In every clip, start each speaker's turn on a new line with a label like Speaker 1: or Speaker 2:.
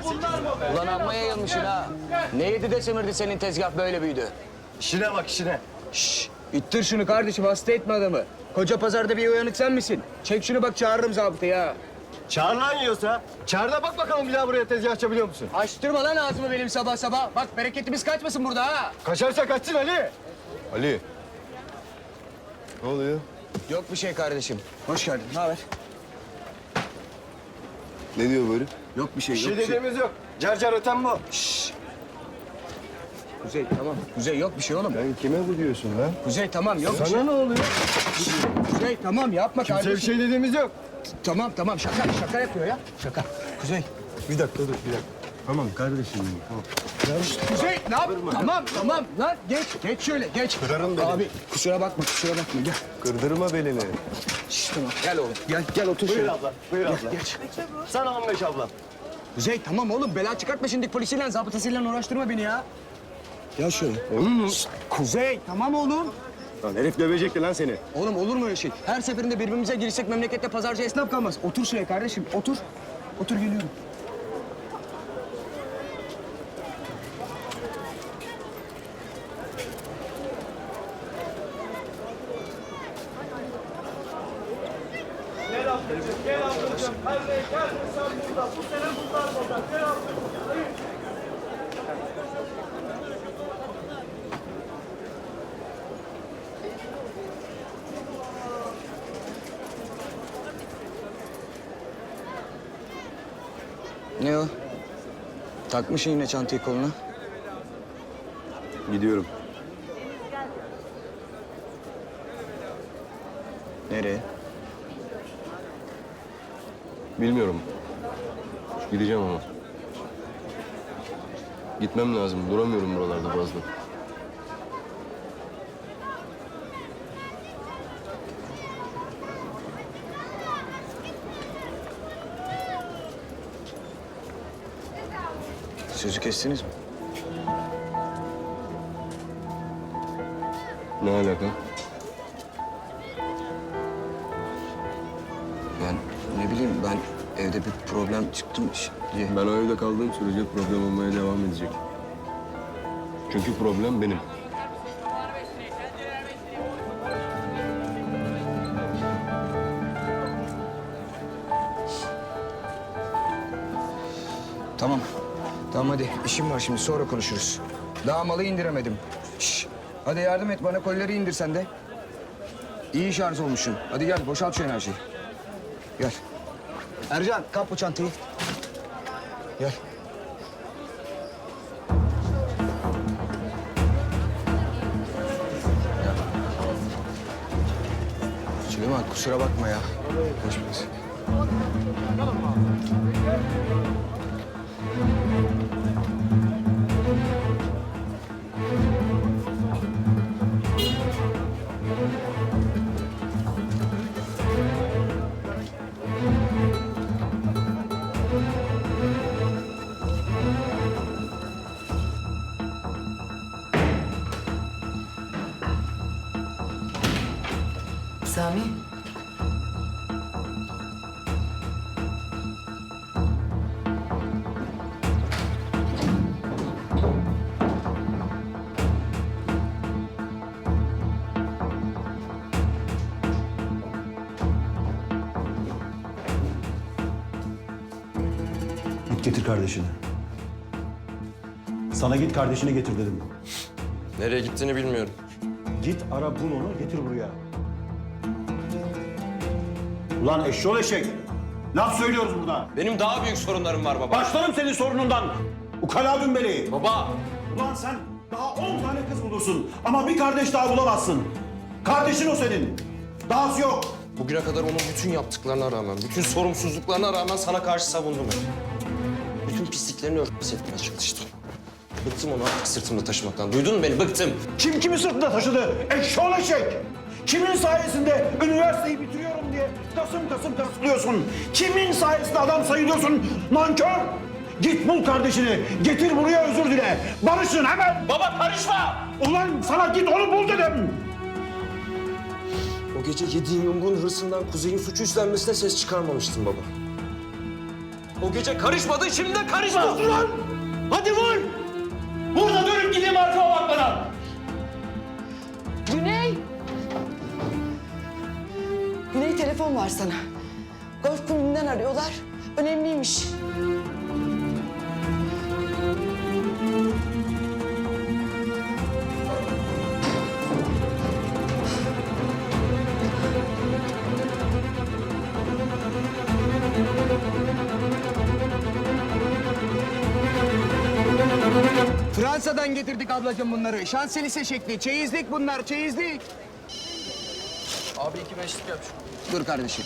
Speaker 1: Ulan amma yayılmışsın ha. Ne yedi de semirdi senin tezgah böyle büyüdü.
Speaker 2: İşine bak işine.
Speaker 1: Şşş, ittir şunu kardeşim, hasta etme adamı. Koca pazarda bir uyanık sen misin? Çek şunu bak, çağırırım zabıtayı ha.
Speaker 2: Çağır lan yiyorsa. Çağır da bak bakalım bir daha buraya tezgah açabiliyor musun?
Speaker 1: Açtırma lan ağzımı benim sabah sabah. Bak bereketimiz kaçmasın burada ha.
Speaker 2: Kaçarsa kaçsın Ali. Ali. Ne oluyor?
Speaker 1: Yok bir şey kardeşim. Hoş geldin. Ne haber?
Speaker 2: Ne diyor böyle?
Speaker 1: Yok bir şey,
Speaker 2: Bir
Speaker 1: yok
Speaker 2: şey
Speaker 1: bir şey.
Speaker 2: dediğimiz yok. Car car öten bu.
Speaker 1: Kuzey tamam. Kuzey yok bir şey oğlum.
Speaker 2: Sen kime bu diyorsun lan?
Speaker 1: Kuzey tamam, yok bir şey.
Speaker 2: Sana ne oluyor?
Speaker 1: Kuzey tamam, yapma
Speaker 2: Kimse
Speaker 1: kardeşim.
Speaker 2: bir şey dediğimiz yok.
Speaker 1: Tamam tamam, şaka yapıyor ya. Şaka. Kuzey.
Speaker 2: Bir dakika dur bir dakika. Tamam kardeşim benim, tamam.
Speaker 1: Kuzey ne yap? Tamam lan geç şöyle geç.
Speaker 2: Kırarım beni.
Speaker 1: Abi kusura bakma gel.
Speaker 2: Kırdırma belini.
Speaker 1: Şişt, tamam gel oğlum gel otur
Speaker 2: Buyur
Speaker 1: şöyle.
Speaker 2: abla, buyur abla.
Speaker 1: Geç.
Speaker 2: Sana 15 abla.
Speaker 1: Kuzey tamam oğlum, bela çıkartma şimdi, polisiyle zabıtasıyla uğraştırma beni ya. Gel şöyle.
Speaker 2: Olur mu?
Speaker 1: Kuzey tamam oğlum.
Speaker 2: Lan herif dövecekti lan seni.
Speaker 1: Oğlum olur mu öyle şey? Her seferinde birbirimize girsek memlekette pazarcı esnaf kalmaz. Otur şuraya kardeşim, otur. Otur, geliyorum.
Speaker 3: Gel ablacığım, gel ablacığım. Hadi gel, sen burada. Bu sene bunlar burada. Gel ablacığım. Hayır.
Speaker 1: Ne o? Takmışsın yine çantayı koluna.
Speaker 2: Gidiyorum.
Speaker 1: Nereye?
Speaker 2: Bilmiyorum. Gideceğim ama. Gitmem lazım. Duramıyorum buralarda fazla.
Speaker 1: Sözü kestiniz mi?
Speaker 2: Ne alaka?
Speaker 1: Ben ne bileyim, ben evde bir problem çıktım diye.
Speaker 2: Ben o evde kaldığım sürece problem olmaya devam edecek. Çünkü problem benim.
Speaker 1: Tamam. Tamam hadi, işim var şimdi, sonra konuşuruz. Daha malı indiremedim. Şş, hadi yardım et bana, kolileri indir sen de. İyi şarj olmuşsun. Hadi gel, boşalt şu enerjiyi. Gel. Ercan, kap bu çantayı. Gel. Süleyman kusura bakma ya. Hoş bulduk.
Speaker 4: Sami.
Speaker 5: Git getir kardeşini. Sana git kardeşini getir dedim.
Speaker 6: Nereye gittiğini bilmiyorum.
Speaker 5: Git ara bul onu getir buraya. Ulan eşşoğlu eşek. Laf söylüyoruz burada.
Speaker 6: Benim daha büyük sorunlarım var baba.
Speaker 5: Başlarım senin sorunundan. Ukala dümbeli.
Speaker 6: Baba!
Speaker 5: Ulan sen daha 10 tane kız bulursun ama bir kardeş daha bulamazsın. Kardeşin o senin. Dahası yok.
Speaker 6: Bugüne kadar onun bütün yaptıklarına rağmen, bütün sorumsuzluklarına rağmen sana karşı savundum hep. Bütün pisliklerini örtbas etmeye çalıştım. Bıktım onu artık sırtımda taşımaktan. Duydun mu beni? Bıktım.
Speaker 5: Kim kimi sırtında taşıdı? Eşşoğlu eşek. Kimin sayesinde üniversiteyi bitiriyorum diye kasım kasım tırsılıyorsun? Kimin sayesinde adam sayılıyorsun? Nankör! Git bul kardeşini, getir buraya özür dile. Barışın hemen!
Speaker 6: Baba karışma!
Speaker 5: Ulan sana git onu bul dedim!
Speaker 6: O gece yediğin yumruğun hırsından Kuzey'in suçu üstlenmesine ses çıkarmamıştım baba. O gece karışmadın, şimdi de karışma.
Speaker 5: Sus lan! Hadi vur! Vur da dönüp gideyim arkama bakmadan.
Speaker 4: Güney! Güney telefon var sana. Golf kulübünden arıyorlar. Önemliymiş.
Speaker 1: Fransa'dan getirdik ablacığım bunları. Şanselise şekli. Çeyizlik bunlar, çeyizlik.
Speaker 6: Abi 2 beşlik yap.
Speaker 1: Dur kardeşim.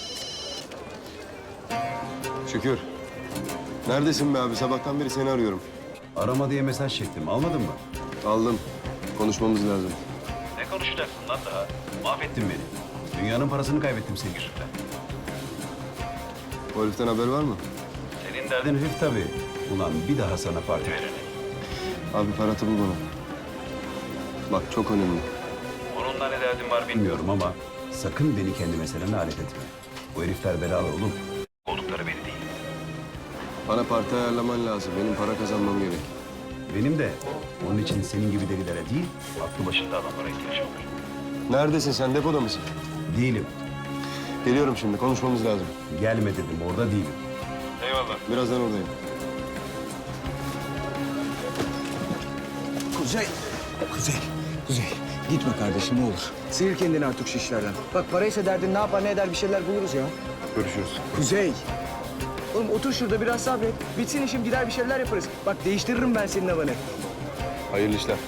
Speaker 2: Şükür. Neredesin be abi? Sabahtan beri seni arıyorum.
Speaker 7: Arama diye mesaj çektim. Almadın mı?
Speaker 2: Aldım. Konuşmamız lazım.
Speaker 7: Ne konuşacaksın lan daha? Mahvettin beni. Dünyanın parasını kaybettim senin yüzünden.
Speaker 2: O heriften haber var mı?
Speaker 7: Senin derdin herif tabii. Ulan bir daha sana parti verin.
Speaker 2: Abi Ferhat'ı bul bana. Bak çok önemli.
Speaker 7: Onunla ne derdin var bilmiyorum ama sakın beni kendi meselene alet etme. Bu herifler belalı oğlum. Oldukları beni değil.
Speaker 2: Bana parti ayarlaman lazım. Benim para kazanmam gerek.
Speaker 7: Benim de onun için senin gibi delilere değil, aklı başında adamlara ihtiyacım var.
Speaker 2: Neredesin sen? Depoda mısın?
Speaker 7: Değilim.
Speaker 2: Geliyorum şimdi. Konuşmamız lazım.
Speaker 7: Gelme dedim, orada değilim.
Speaker 2: Birazdan oradayım.
Speaker 1: Kuzey. Gitme kardeşim ne olur. Sıyır kendini artık şu işlerden. Bak paraysa derdin ne yapar ne eder bir şeyler buluruz ya.
Speaker 2: Görüşürüz.
Speaker 1: Kuzey. Oğlum otur şurada biraz sabret. Bitsin işim gider bir şeyler yaparız. Bak değiştiririm ben senin havanı.
Speaker 2: Hayırlı işler.